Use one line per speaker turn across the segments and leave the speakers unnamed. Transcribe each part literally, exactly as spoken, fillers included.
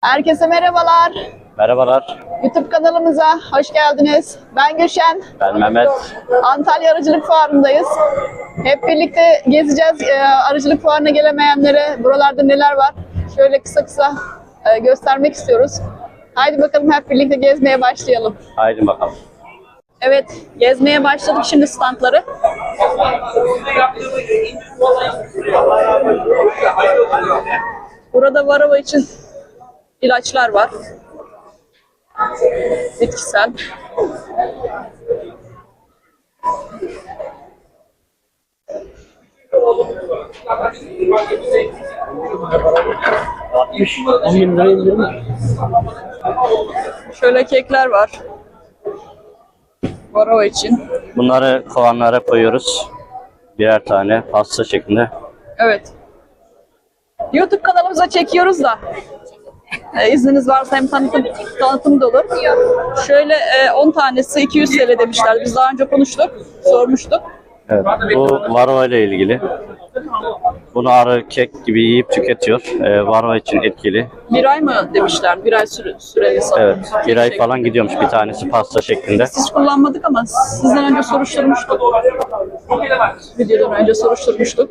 Herkese merhabalar.
Merhabalar.
YouTube kanalımıza hoş geldiniz. Ben Gülşen.
Ben Mehmet.
Antalya Arıcılık Fuarı'ndayız. Hep birlikte gezeceğiz. Ee, arıcılık fuarına gelemeyenlere buralarda neler var? Şöyle kısa kısa e, göstermek istiyoruz. Haydi bakalım hep birlikte gezmeye başlayalım.
Haydi bakalım.
Evet, gezmeye başladık şimdi standları. Burada varroa için ilaçlar var. Bitkisel.
on bin lira indirim mi?
Şöyle kekler var. Varroa için.
Bunları kovanlara koyuyoruz. Birer tane pasta şeklinde.
Evet. YouTube kanalımıza çekiyoruz da. E, izniniz varsa hem tanıtım, tanıtım da olur. Şöyle e, on tanesi iki yüz T L demişler. Biz daha önce konuştuk, sormuştuk.
Evet. Bu varroa ile ilgili. Bunu arı kek gibi yiyip tüketiyor. Ee, varroa için etkili.
Bir ay mı demişler? Bir ay süre, süreli sanırım.
Evet. Bir ay falan gidiyormuş bir tanesi pasta şeklinde.
Hiç kullanmadık ama sizden önce soruşturmuştuk. Videodan önce soruşturmuştuk.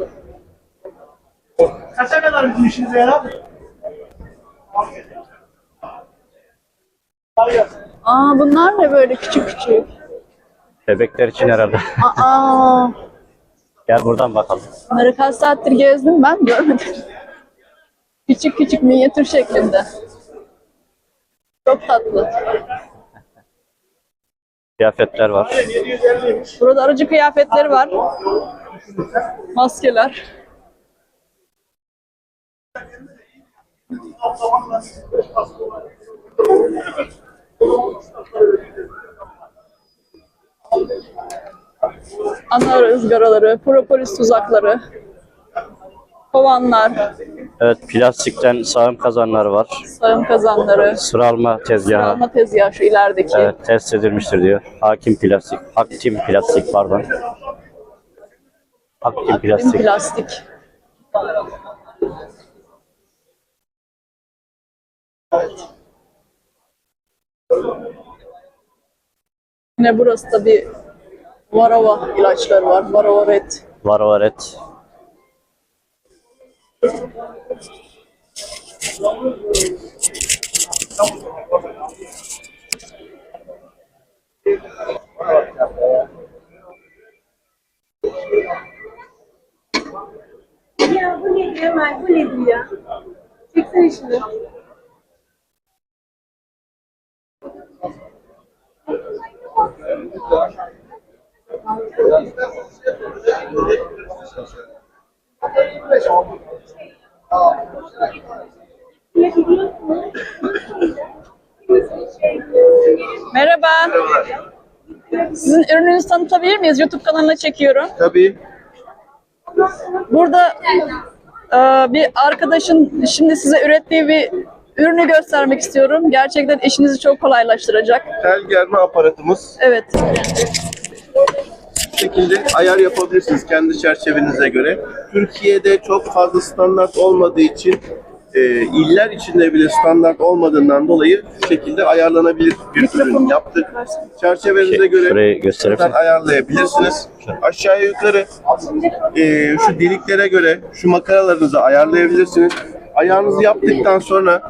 Kaça kadar bizim işinize yarar?
Aa, bunlar ne böyle küçük küçük?
Bebekler için herhalde.
Aa,
Gel buradan bakalım.
bunları kaç saattir gezdim ben görmedim. Küçük küçük minyatür şeklinde. Çok tatlı.
Kıyafetler var.
Burada arıcı kıyafetleri var. Maskeler. Ana ızgaraları, propolis tuzakları, kovanlar,
Evet, plastikten sağım kazanları var.
sayım kazanları,
Sıralma tezgahı.
alma tezgahı şu ilerideki.
Evet, test edilmiştir diyor. Hakim plastik. Aktim plastik pardon. Aktim
Aktim
plastik.
plastik. Yine burası da bir varroa ilaçları var. Varroa Red.
Varroa red.
Ya bu ne Kemal, bu nedir ya? Çeksene şunu.
Merhaba. Sizin ürününüzü tanıtabilir miyiz? YouTube kanalına çekiyorum.
Tabii.
Burada e, bir arkadaşın şimdi size ürettiği bir ürünü göstermek istiyorum. Gerçekten işinizi çok kolaylaştıracak.
Tel germe aparatımız.
Evet.
Bu şekilde ayar yapabilirsiniz kendi çerçevenize göre. Türkiye'de çok fazla standart olmadığı için e, iller içinde bile standart olmadığından dolayı bu şekilde ayarlanabilir bir ürün yaptık. Çerçevenize
Şey,
göre
şurayı gösterebilir
buradan ayarlayabilirsiniz. Aşağıya yukarı e, şu deliklere göre şu makaralarınızı ayarlayabilirsiniz. Ayarınızı yaptıktan sonra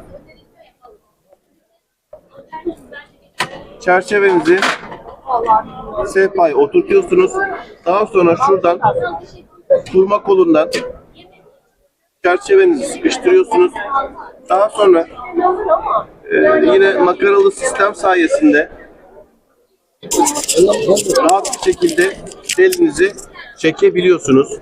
çerçevenizi sehpaya oturtuyorsunuz. Daha sonra şuradan turma kolundan çerçevenizi sıkıştırıyorsunuz. Daha sonra e, yine makaralı sistem sayesinde rahat bir şekilde elinizi çekebiliyorsunuz.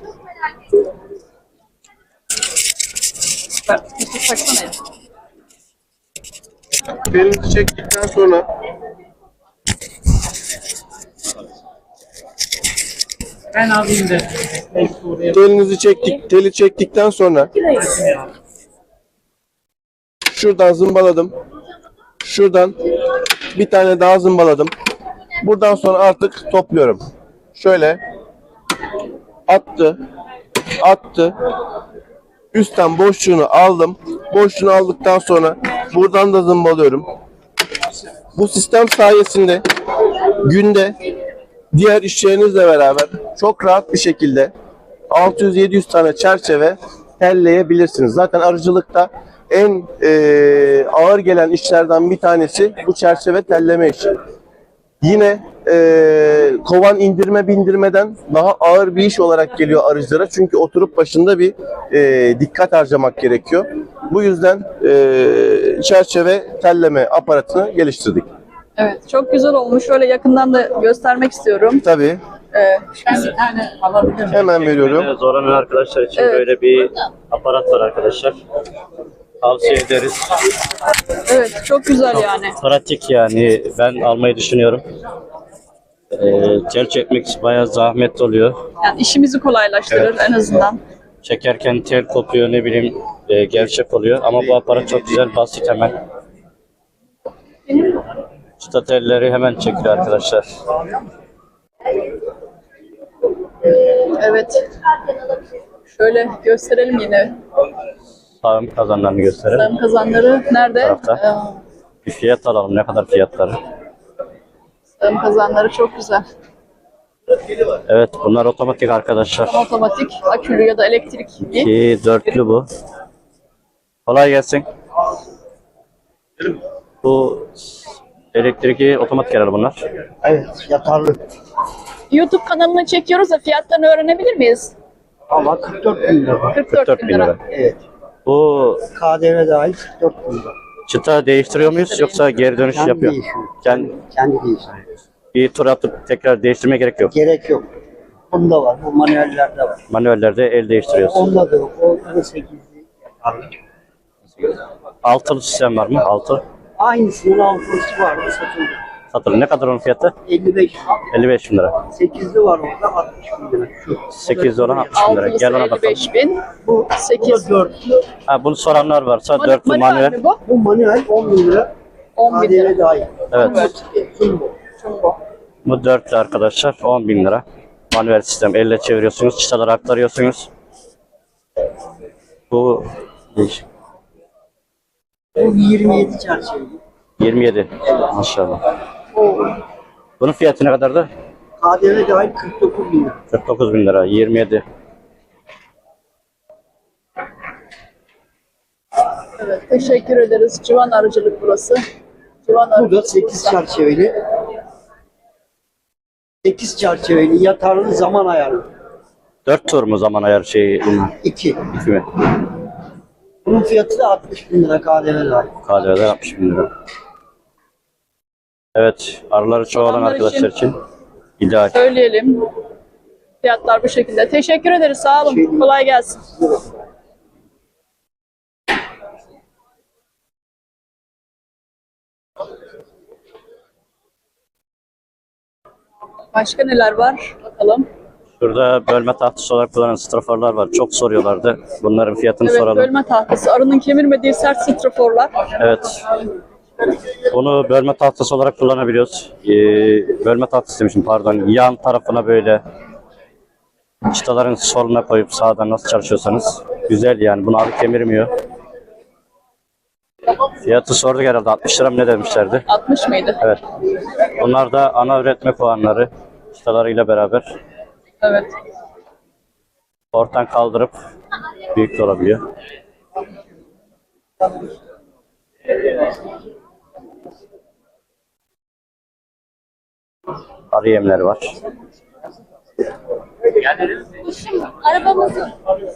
Elinizi çektikten sonra
Ben alayım de.
telinizi çektik, teli çektikten sonra şuradan zımbaladım. Şuradan bir tane daha zımbaladım. Buradan sonra artık topluyorum. Şöyle attı, attı. Üstten boşluğunu aldım. Boşluğunu aldıktan sonra buradan da zımbalıyorum. Bu sistem sayesinde günde diğer işçilerinizle beraber çok rahat bir şekilde altı yüz yedi yüz tane çerçeve telleyebilirsiniz. Zaten arıcılıkta en e, ağır gelen işlerden bir tanesi bu çerçeve telleme işi. Yine e, kovan indirme bindirmeden daha ağır bir iş olarak geliyor arıcılara. Çünkü oturup başında bir e, dikkat harcamak gerekiyor. Bu yüzden e, çerçeve telleme aparatını geliştirdik.
Evet, çok güzel olmuş. Şöyle yakından da göstermek istiyorum.
Tabii,
Ee,
Ben bir tane alabilirim.
hemen veriyorum.
Zoranan arkadaşlar için
Evet.
böyle bir aparat var arkadaşlar. Tavsiye ederiz.
evet, çok güzel yani.
Pratik yani, ben almayı düşünüyorum. Ee, tel çekmek bayağı zahmetli oluyor.
Yani işimizi kolaylaştırır en azından.
Çekerken tel kopuyor, ne bileyim e, gevşek oluyor ama bu aparat çok güzel, basit hemen. Çıta telleri hemen çekiyor arkadaşlar.
Evet. Şöyle gösterelim yine.
Sağım kazanlarını gösterelim.
Sağım kazanları nerede?
Tarafta. Bir fiyat alalım, ne kadar fiyatları.
Ee, sağım kazanları çok güzel.
Evet, bunlar otomatik arkadaşlar.
Otomatik, akülü ya da elektrikli.
İki dörtlü bu. Kolay gelsin. Bu elektrikli otomatik herhalde bunlar.
Evet, yatarlı.
YouTube kanalına çekiyoruz da fiyatlarını öğrenebilir miyiz?
Ama kırk dört bin lira.
kırk
kırk
dört
dört
bin
bin
lira.
lira.
Evet.
Bu
K D V dahil kırk dört bin lira.
çıta değiştiriyor muyuz yoksa geri dönüş
Kendi
yapıyor?
değişiyor.
Kendi
Kendi değişiyor.
bir tur atıp tekrar değiştirmeye gerek yok.
Gerek yok. Bunda var, bu manuellerde var.
Manuellerde el değiştiriyoruz.
Onda da yok. O sekizli yatarlı.
Altılı sistem var mı? Altı.
Aynısının altılısı vardı, satıldı.
Satılır. Ne kadar onun fiyatı?
elli beş.
elli beş bin lira.
sekizli var orada, altmış bin lira. Şu.
sekizli olan altmış bin lira.
Altılısı
Gel ona
elli
bakalım.
beş bin. Bu
Bu da
sekiz.
dörtlü.
Ha, bunu soranlar varsa
Manu-
dörtlü
manuel
manuel.
mi bu?
Bu manuel on bin lira.
on bin
K D V
lira.
dahil.
Evet.
Jumbo.
Jumbo.
Bu dörtlü arkadaşlar on bin lira. Manuel sistem. Elle çeviriyorsunuz. Çıtaları aktarıyorsunuz. Bu değişik.
Bu yirmi yedi çerçeveli.
yirmi yedi. Maşallah. Bunun fiyatı ne kadardı?
K D V dahil kırk dokuz bin lira.
kırk dokuz bin lira. yirmi yedi.
Evet, teşekkür ederiz. Civan arıcılık burası. Civan
Bu da
arıcılık.
sekiz çerçeveli. sekiz çerçeveli yatarlı zaman ayarlı.
dört tur mu zaman ayar şeyi?
iki.
iki mi?
Bunun fiyatı da altmış bin lira K D V dahil.
K D V'den altmış bin lira. Evet, arıları çoğalan
Soranlar
arkadaşlar
için-
için ideal.
Söyleyelim. Fiyatlar bu şekilde. Teşekkür ederiz. Sağ olun. Kolay gelsin. Başka neler var? Bakalım.
Şurada bölme tahtası olarak kullanılan straforlar var. Çok soruyorlardı. Bunların fiyatını
Evet,
soralım.
bölme tahtası. Arının kemirmediği sert straforlar.
Evet. Bunu bölme tahtası olarak kullanabiliyoruz. Ee, bölme tahtası demişim pardon. Yan tarafına böyle çıtaların soluna koyup sağdan nasıl çalışıyorsanız güzel yani. Bunu arı kemirmiyor. Fiyatı sorduk herhalde. altmış lira mı ne demişlerdi?
altmış mıydı?
Evet. Bunlar da ana üretme puanları çıtalarıyla beraber
Evet.
ortadan kaldırıp büyük de olabiliyor. Arı yemleri var.
Arabamızın.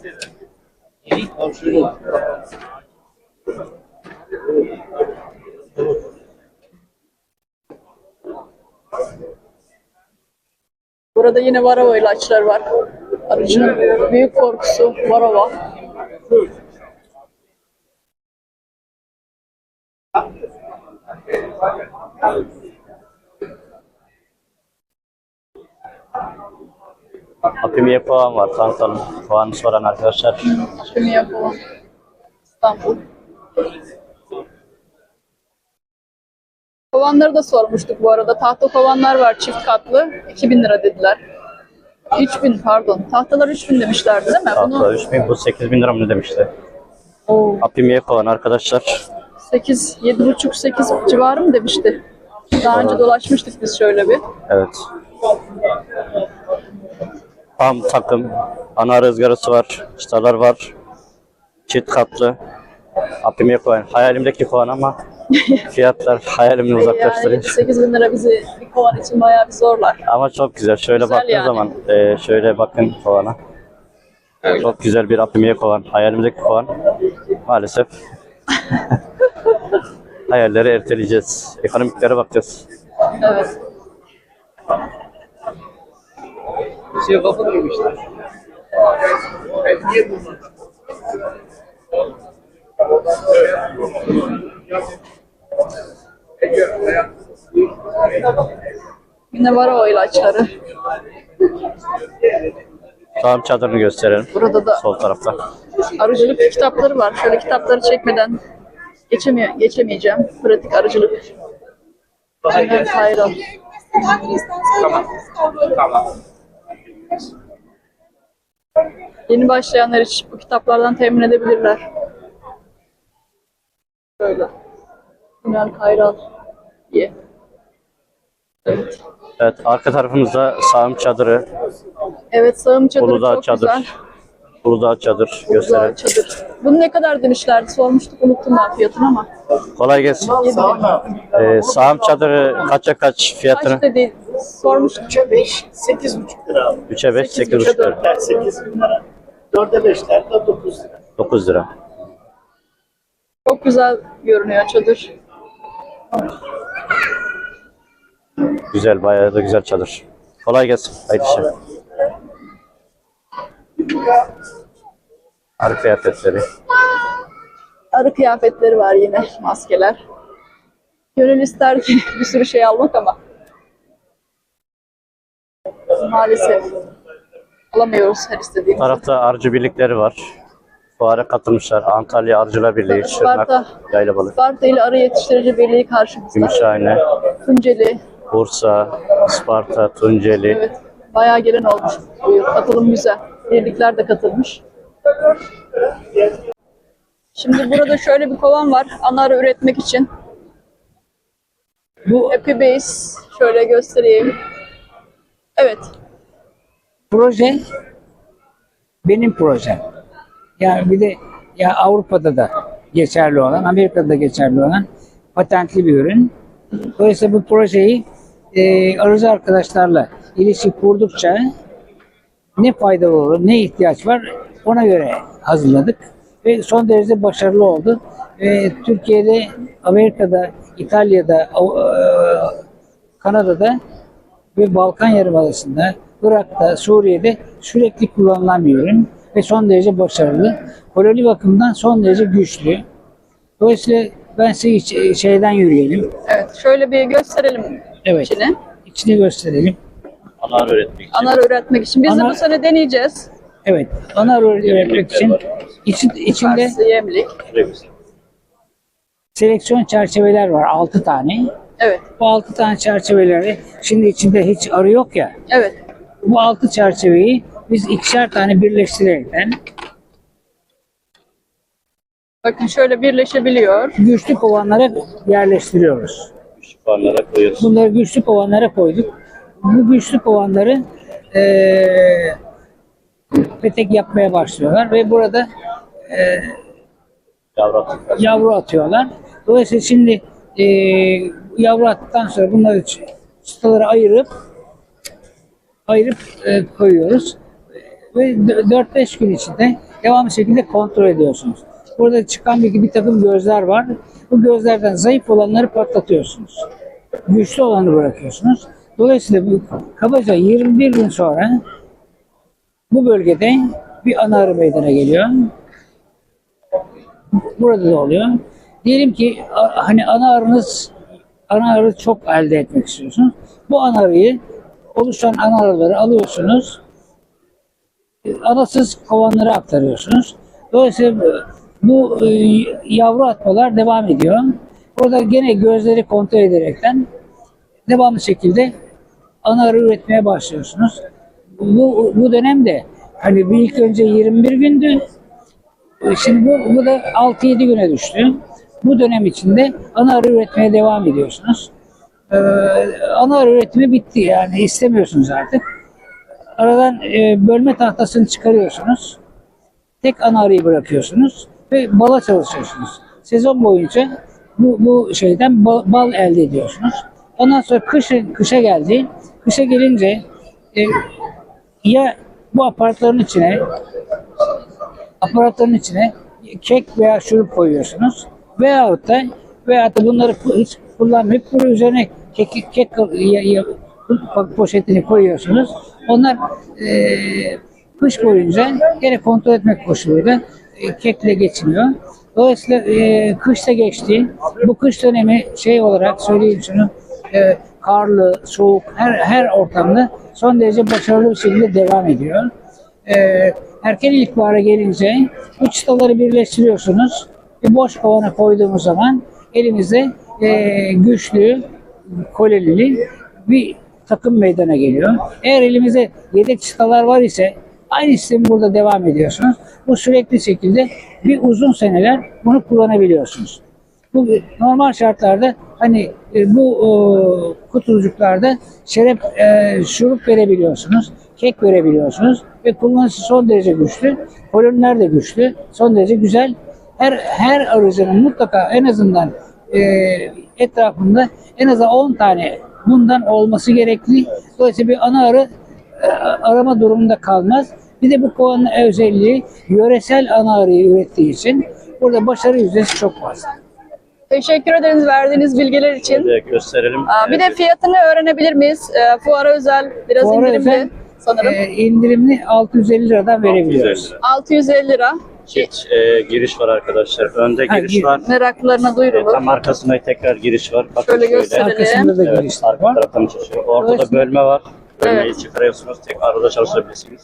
Burada yine varava ilaçlar var. Arıcının büyük korkusu varava.
Apimiye puan var. Tanıtalım. Puanı soran arkadaşlar.
Kimi yapalım? İstanbul. Kovanları da sormuştuk bu arada. Tahta kovanlar var çift katlı. iki bin lira dediler. üç bin pardon. Tahtalar üç bin demişlerdi değil mi?
Tahta üç bin, bu sekiz bin lira mı ne demişti?
Oo,
Apimiye puan arkadaşlar.
sekiz, yedi buçuk sekiz civarı mı demişti. Daha önce dolaşmıştık biz şöyle bir.
Evet. Tam takım. Ana ızgarası var. Çıtalar var. Çift katlı. Apime koyan. Hayalimdeki kovan ama fiyatlar hayalimden
Yani
uzaklaştırıyor.
sekiz bin lira bizi bir kovan için bayağı bir zorlar.
Ama çok güzel. Şöyle
Güzel
baktığın
yani.
zaman e, şöyle bakın kovana. Çok güzel bir apimiye kovan. Hayalimdeki kovan. Maalesef hayalleri erteleyeceğiz. Ekonomiklere bakacağız.
Evet.
Şey kafa koymuşlar. Niye bunlar?
Yine var o ilaçları.
Tamam, çadırını gösterelim.
Burada da
Sol tarafta.
arıcılık kitapları var. Şöyle kitapları çekmeden geçemiyor, geçemeyeceğim. Pratik arıcılık. Aynen Kayral.
Tamam. Tamam.
Yeni başlayanlar için bu kitaplardan temin edebilirler. Böyle. Ünal Kayral diye. Evet.
Evet, arka tarafımızda sağım çadırı,
Evet, sağım çadırı
Uludağ
çok
çadır,
güzel.
Uludağ çadır
Uludağ
gösterelim.
çadır. Bunu ne kadar demişlerdi? Sormuştuk, unuttum ben fiyatını ama.
Kolay gelsin.
yedi bin.
Ee, sağım çadırı kaça kaç fiyatını?
Kaç dedi? Sormuştuk.
üçe beş, sekiz buçuk lira.
üçe beş,
Sekiz
sekiz buçuk
buçuk.
lira.
sekiz bin lira. dörde beşler de dokuz lira.
dokuz lira.
Çok güzel görünüyor çadır.
Güzel, bayağı da güzel çadır. Kolay gelsin. Hayırlı işler. Arı kıyafetleri.
Arı kıyafetleri var yine, maskeler. Gönül ister ki bir sürü şey almak ama maalesef alamıyoruz her
Bu
istediğimizi.
tarafta arıcı birlikleri var. Fuara katılmışlar. Antalya Arıcılar Birliği,
Evet,
Şırnak,
Sparta.
Yaylabalık,
Sparta ile Arı Yetiştirici Birliği karşımızda.
Gümüşhane,
Tunceli,
Bursa, Isparta, Tunceli.
evet, bayağı gelen olmuş bu yıl. Katılım güzel. Birlikler de katılmış. Şimdi burada şöyle bir kovan var. Ana arı üretmek için.
Bu
Happy Base. Şöyle göstereyim. Evet.
proje benim projem. Yani bir de ya Avrupa'da da geçerli olan, Amerika'da da geçerli olan patentli bir ürün. Dolayısıyla bu projeyi e, arıcı arkadaşlarla ilişki kurdukça ne faydalı olur, ne ihtiyaç var ona göre hazırladık. Ve son derece başarılı oldu. E, Türkiye'de, Amerika'da, İtalya'da, Av- e, Kanada'da ve Balkan Yarımadası'nda, Irak'ta, Suriye'de sürekli kullanılan bir ürün ve son derece başarılı. Koloni bakımından son derece güçlü. Dolayısıyla ben size iç- şeyden yürüyelim.
Evet. Şöyle bir gösterelim
Evet.
içini.
İçini gösterelim.
Ana arı üretmek için.
Ana arı üretmek için. Biz de
Ana-
bu sene deneyeceğiz.
Evet. Ana arı üretmek için içi, içinde
Farsı, yemlik.
seleksiyon çerçeveler var. altı tane.
Evet.
Bu altı tane çerçeveleri şimdi içinde hiç arı yok ya.
Evet.
Bu altı çerçeveyi biz ikişer tane birleştirerekten
Bakın şöyle birleşebiliyor.
güçlü kovanlara yerleştiriyoruz.
Fuarlara koyuyoruz.
Bunları güçlü kovanlara koyduk. Bu güçlü kovanları eee petek yapmaya başlıyorlar ve burada
Yavru.
yavru atıyorlar. Dolayısıyla şimdi eee yavru attıktan sonra bunları ç- çıtaları ayırıp ayırıp eee, koyuyoruz. Ve dört beş gün içinde devamlı şekilde kontrol ediyorsunuz. Burada çıkan bir, bir takım gözler var. Bu gözlerden zayıf olanları patlatıyorsunuz. Güçlü olanı bırakıyorsunuz. Dolayısıyla bu kabaca yirmi bir gün sonra bu bölgede bir ana arı meydana geliyor. Burada da oluyor. Diyelim ki a- hani ana arınız ana arı çok elde etmek istiyorsunuz. Bu ana arıyı oluşan ana arıları alıyorsunuz. Anasız kovanlara aktarıyorsunuz. Dolayısıyla bu e, yavru atmalar devam ediyor. Burada gene gözleri kontrol ederekten devamlı şekilde ana arı üretmeye başlıyorsunuz. Bu, bu dönemde hani bir ilk önce yirmi bir gündü. Şimdi bu, bu da altı yedi güne düştü. Bu dönem içinde ana arı üretmeye devam ediyorsunuz. Ee, ana arı üretimi bitti, yani istemiyorsunuz artık. Aradan e, bölme tahtasını çıkarıyorsunuz. Tek ana arıyı bırakıyorsunuz ve bala çalışıyorsunuz. Sezon boyunca bu, bu şeyden bal, bal elde ediyorsunuz. Ondan sonra kışın, kışa geldi. Kışa gelince e, ya bu aparatların içine aparatların içine kek veya şurup koyuyorsunuz. Veyahut da veyahut da bunları hiç kullanmayıp bunun üzerine kek, kek ya, ya, poşetini koyuyorsunuz. Onlar e, kış boyunca gene kontrol etmek koşuluyla e, kekle geçiniyor. Dolayısıyla e, kışta geçti. Bu kış dönemi şey olarak söyleyeyim şunu, e, karlı, soğuk, her her ortamda son derece başarılı bir şekilde devam ediyor. E, erken ilkbahara gelince bu çıtaları birleştiriyorsunuz. Bir boş kovana koyduğumuz zaman elimizde e, güçlü, kolelili bir takım meydana geliyor. Eğer elimizde yedek çıtalar var ise aynı sistemi burada devam ediyorsunuz. Bu sürekli şekilde bir uzun seneler bunu kullanabiliyorsunuz. Bu normal şartlarda hani e, bu e, kutucuklarda şerep e, şurup verebiliyorsunuz, kek verebiliyorsunuz ve kullanışı son derece güçlü. Koloniler de güçlü, son derece güzel. Her her arıcının mutlaka en azından e, etrafında en azından on tane bundan olması gerekli. Dolayısıyla bir ana arı e, arama durumunda kalmaz. Bir de bu kovanın özelliği yöresel ana arıyı ürettiği için burada başarı yüzdesi çok fazla.
Teşekkür ederiz verdiğiniz bilgiler için.
Bir de gösterelim.
Aa, bir de fiyatını öğrenebilir miyiz? Ee, fuara özel, biraz
Fuara
indirimli
özel,
sanırım.
E, indirimli altı yüz elli liradan verebiliyoruz.
altı yüz elli lira.
Çift e, giriş var arkadaşlar. Önde
Ha,
giriş
gir-
var.
Meraklılarına
E,
duyurulur.
tam arkasında tekrar giriş var. Bakın
Şöyle
şöyle.
gösterelim.
Arkasında da
Evet,
girişler
arka
var.
taraftan çalışıyor. Orada da
Dolayısıyla-
bölme var. Bölmeyi
Evet.
çıkarıyorsunuz. Tek arada çalışabilirsiniz.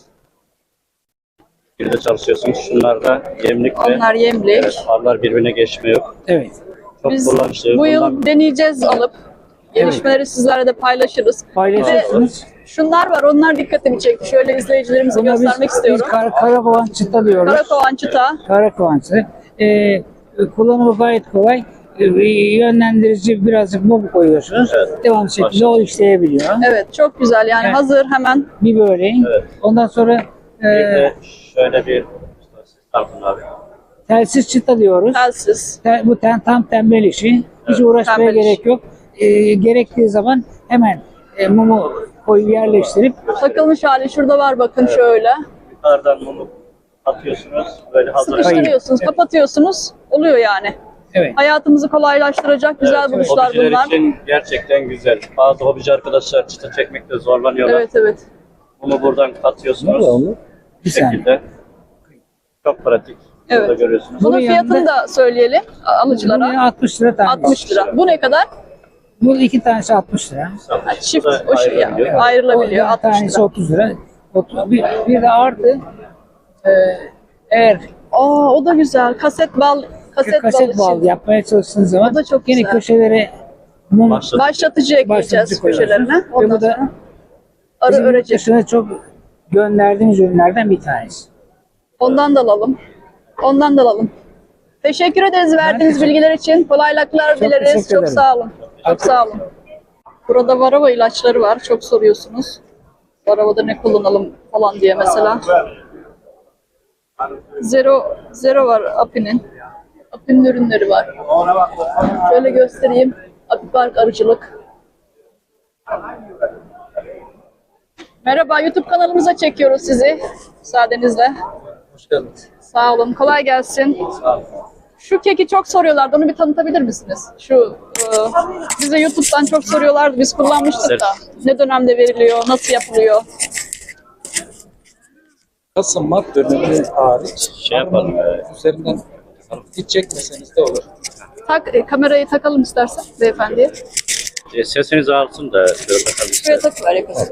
Bir de çalışıyorsunuz. Şunlar da yemlik ve
Onlar yemlik.
evet, arılar birbirine geçme yok.
Evet.
Çok
Biz
kullanışlı.
bu yıl
Bundan-
deneyeceğiz alıp. Gelişmeleri sizlerle de paylaşırız.
Paylaşırsınız.
Şunlar var, onlar dikkatimi çekti. Şöyle izleyicilerimize
Buna biz,
göstermek
biz
istiyorum.
kar, karakovan çıta diyoruz.
Karakovan çıta.
Karakovan çıta. E, kullanımı gayet kolay. E, yönlendirici birazcık mum koyuyorsunuz.
Evet.
Devamlı şekilde o işleyebiliyor.
Evet, çok güzel. Yani
Evet.
hazır hemen.
Bir böyle.
Evet.
Ondan sonra e,
Bir de şöyle bir Tartın abi.
telsiz çıta diyoruz.
Telsiz.
Te- bu ten, tam tembel işi. Hiç uğraşmaya
tembel iş.
gerek yok. E, gerektiği zaman hemen e, mumu koyup yerleştirip
Takılmış hali şurada var bakın şöyle.
Yukarıdan mumu atıyorsunuz. Böyle hazır.
Sıkıştırıyorsunuz, kapatıyorsunuz. Oluyor yani.
evet.
Hayatımızı kolaylaştıracak güzel
Evet,
buluşlar
hobiciler
bunlar.
için gerçekten güzel. Bazı hobici arkadaşlar çıta çekmekte zorlanıyorlar.
Evet evet.
Bunu buradan katıyorsunuz. Bu
Bir saniye.
şekilde. Çok pratik. Burada
Evet.
görüyorsunuz.
Bunun
Bunun
fiyatını
yanında-
da söyleyelim alıcılara.
Buraya altmış lira tane.
altmış lira. Bu ne kadar?
Bu iki tanesi altmış lira.
Çift
Bu da
o şey ya,
ayrılabiliyor.
ayrılabiliyor
O
altmış
tanesi
lira.
otuz lira. Otuz- Bir, bir de artı e, eğer
Aa o da güzel. Kaset bal, kaset,
kaset
bal
bal
için.
yapmaya çalıştığınız zaman
O da çok
yine
güzel.
köşelere mum
Başlatıcı.
Başlatıcı ekleyeceğiz
başlatıcı koyuyorsunuz.
köşelerine.
Ve
Ondan
bu da
sonra arı
bizim
örecek.
dışına çok gönderdiğimiz ürünlerden bir tanesi.
Ondan da alalım. Ondan da alalım. Teşekkür ederiz verdiğiniz
teşekkür-
bilgiler için. Kolaylıklar
Çok
dileriz.
teşekkür
Çok
ederim.
sağ olun. Çok sağ olun. Burada varava ilaçları var. Çok soruyorsunuz. Varavada ne kullanalım falan diye mesela. Zero, zero var Api'nin. Api'nin ürünleri var. Şöyle göstereyim. Api Park Arıcılık. Merhaba, YouTube kanalımıza çekiyoruz sizi. Müsaadenizle.
Hoş geldiniz.
Sağ olun, kolay gelsin.
Sağ olun.
Şu keki çok soruyorlardı, onu bir tanıtabilir misiniz? Şu, e, bize YouTube'dan çok soruyorlardı, biz kullanmıştık da. Ne dönemde veriliyor, nasıl yapılıyor?
Kasım Mart dönemi hariç
Şey yapalım,
arının
e,
üzerinden hiç çekmeseniz de olur.
Tak, e, kamerayı takalım istersen beyefendiye.
E, Sesinizi alsın da şöyle bakalım.
Şuraya takıver yakasın.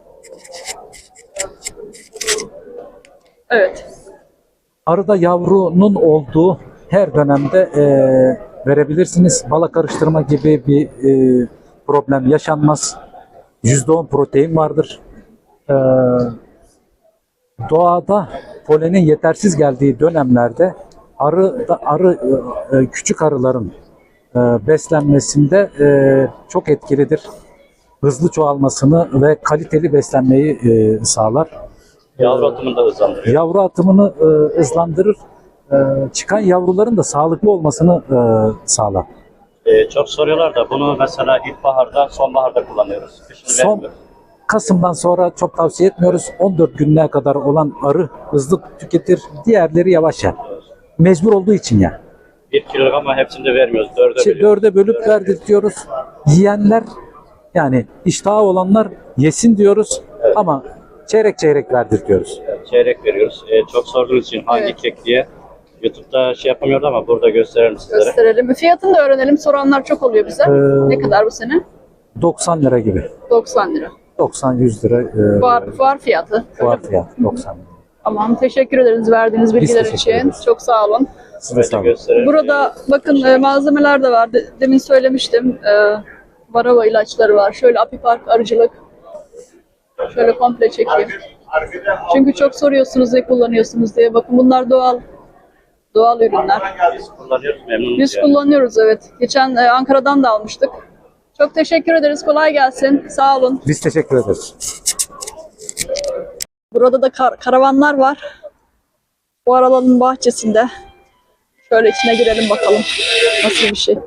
Evet.
Arıda yavrunun olduğu her dönemde e, verebilirsiniz. Bala karıştırma gibi bir e, problem yaşanmaz. yüzde on protein vardır. E, doğada polenin yetersiz geldiği dönemlerde arı da arı e, e, küçük arıların e, beslenmesinde e, çok etkilidir. Hızlı çoğalmasını ve kaliteli beslenmeyi e, sağlar.
Yavru atımını da hızlandırıyor.
Yavru atımını e, hızlandırır. E, çıkan yavruların da sağlıklı olmasını e, sağlar.
Ee, çok soruyorlar da bunu mesela ilkbaharda, sonbaharda kullanıyoruz. Kışın
Son
vermiyoruz.
Kasım'dan sonra çok tavsiye etmiyoruz. on dört gününe kadar olan arı hızlı tüketir. Diğerleri yavaş yer. Mecbur olduğu için ya.
Bir kilogram ama hepsini de vermiyoruz. Dörde
İşte
bölüyoruz.
dörde bölüp verdirtiyoruz. Yiyenler yani iştahı olanlar yesin diyoruz ama çeyrek çeyrek verdirtiyoruz.
Çeyrek veriyoruz. Ee, çok sorduğunuz için hangi
Evet.
kek diye YouTube'da şey yapamıyordu ama burada gösterelim sizlere.
Gösterelim. Fiyatını da öğrenelim. Soranlar çok oluyor bize.
Ee,
Ne kadar bu sene?
doksan lira gibi.
doksan lira.
doksan yüz lira e,
Fuar, fuar fiyatı.
fuar fiyatı doksan lira.
Tamam. Teşekkür ederiz verdiğiniz bilgiler
teşekkür
için.
ederiz.
Çok sağ olun.
Size sağ
Böyle
olun.
gösterelim.
Burada bakın e, malzemeler de var. De- demin söylemiştim. E, varava ilaçları var. Şöyle apipark arıcılık. Şöyle komple çekeyim. Çünkü çok soruyorsunuz ne kullanıyorsunuz diye. Bakın bunlar doğal doğal ürünler.
Biz kullanıyoruz, memnunuz.
Biz
yani.
kullanıyoruz evet. Geçen e, Ankara'dan da almıştık. Çok teşekkür ederiz. Kolay gelsin. Sağ olun.
Biz teşekkür ederiz.
Burada da kar- karavanlar var. Bu aralanın bahçesinde. Şöyle içine girelim bakalım. Nasıl bir şey.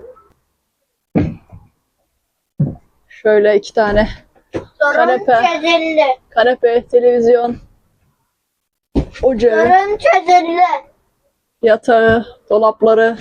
Şöyle iki tane kanepe,
çözüldü.
kanepe, televizyon, ocağı,
Sorun çözüldü.
yatağı, dolapları.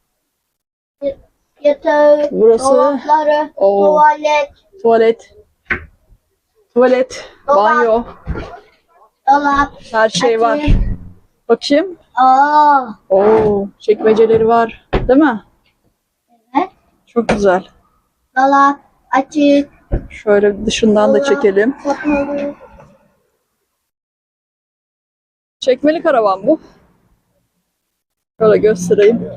Yatağı,
Burası-
dolapları,
Oo.
tuvalet,
Tuvalet, tuvalet, banyo,
dolap,
her şey var.
açık.
Bakayım.
Aa,
Oo, çekmeceleri var, değil mi?
evet.
Çok güzel.
Dolap, açık.
Şöyle dışından da çekelim.
Kapalı.
Çekmeli karavan bu. Şöyle göstereyim.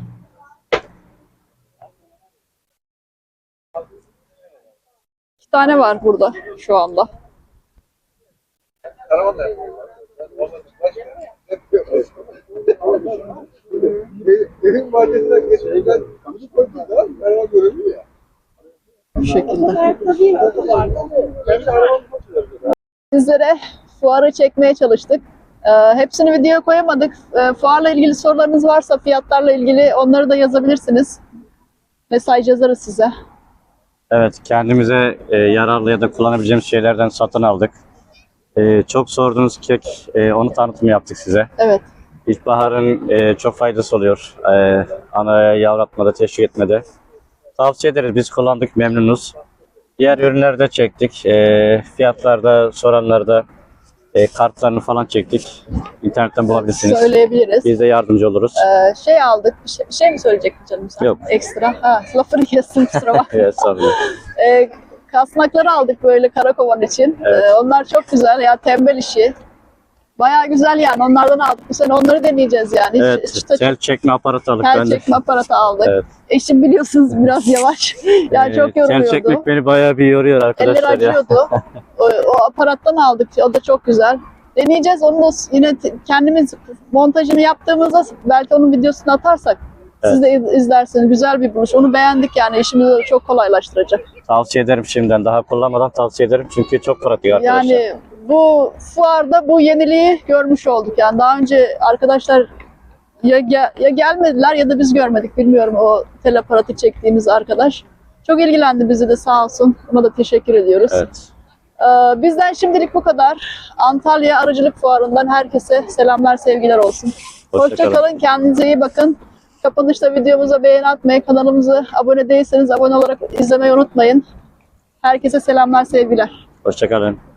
İki tane var burada şu anda.
Evin bahçesinden geçmeden müzik koyduğunda araba görünüyor ya.
Bu şekilde.
Kendi arabamı koyuyorlar.
Sizlere fuarı çekmeye çalıştık. Ee, hepsini videoya koyamadık. Ee, fuarla ilgili sorularınız varsa fiyatlarla ilgili onları da yazabilirsiniz. Mesaj yazarız size.
Evet, kendimize e, yararlı ya da kullanabileceğimiz şeylerden satın aldık. E, çok sorduğunuz kek, e, onu tanıtım yaptık size.
Evet.
İlkbaharın e, çok faydası oluyor. E, anaya yavratmada, teşvik etmede. Tavsiye ederiz, biz kullandık, memnunuz. Diğer ürünleri de çektik. E, fiyatlarda, soranlarda e, kartlarını falan çektik. İnternetten bulabilirsiniz.
Söyleyebiliriz.
Biz de yardımcı oluruz.
Ee, şey aldık. Bir şey, bir şey mi söyleyecektin canım sen?
Yok.
Ekstra. Ha, lafını kestim kusura bakma.
Evet, sağ olun.
Ee, kasnakları aldık böyle karakovan için.
Evet.
Ee, onlar çok güzel ya, tembel işi. Bayağı güzel yani, onlardan aldık. Bu sene onları deneyeceğiz yani. Hiç-
Evet,
çıta
tel çekme aparatı aldık
tel
ben de.
çekme aparatı aldık.
Evet.
Eşim biliyorsunuz biraz yavaş. yani
Ee,
çok
Tel
yoruluyordu.
çekmek beni bayağı bir yoruyor
Eller
arkadaşlar ya.
acıyordu. o, o aparattan aldık. O da çok güzel. Deneyeceğiz. Onu da yine t- kendimiz montajını yaptığımızda belki onun videosunu atarsak siz de iz- izlersiniz. Güzel bir buluş. Onu beğendik yani. İşimizi çok kolaylaştıracak.
Tavsiye ederim şimdiden. Daha kullanmadan tavsiye ederim çünkü çok pratik arkadaşlar.
Yani bu fuarda bu yeniliği görmüş olduk. Yani daha önce arkadaşlar ya, ge- ya gelmediler ya da biz görmedik. Bilmiyorum, o tel aparatı çektiğimiz arkadaş. Çok ilgilendi bizi de, sağ olsun. Ona da teşekkür ediyoruz.
Evet.
Ee, bizden şimdilik bu kadar. Antalya Arıcılık Fuarı'ndan herkese selamlar, sevgiler olsun.
Hoşça
Hoşça
kalın.
kalın. Kendinize iyi bakın. Kapanışta videomuza beğeni atmayı, kanalımıza abone değilseniz abone olarak izlemeyi unutmayın. Herkese selamlar, sevgiler.
Hoşçakalın.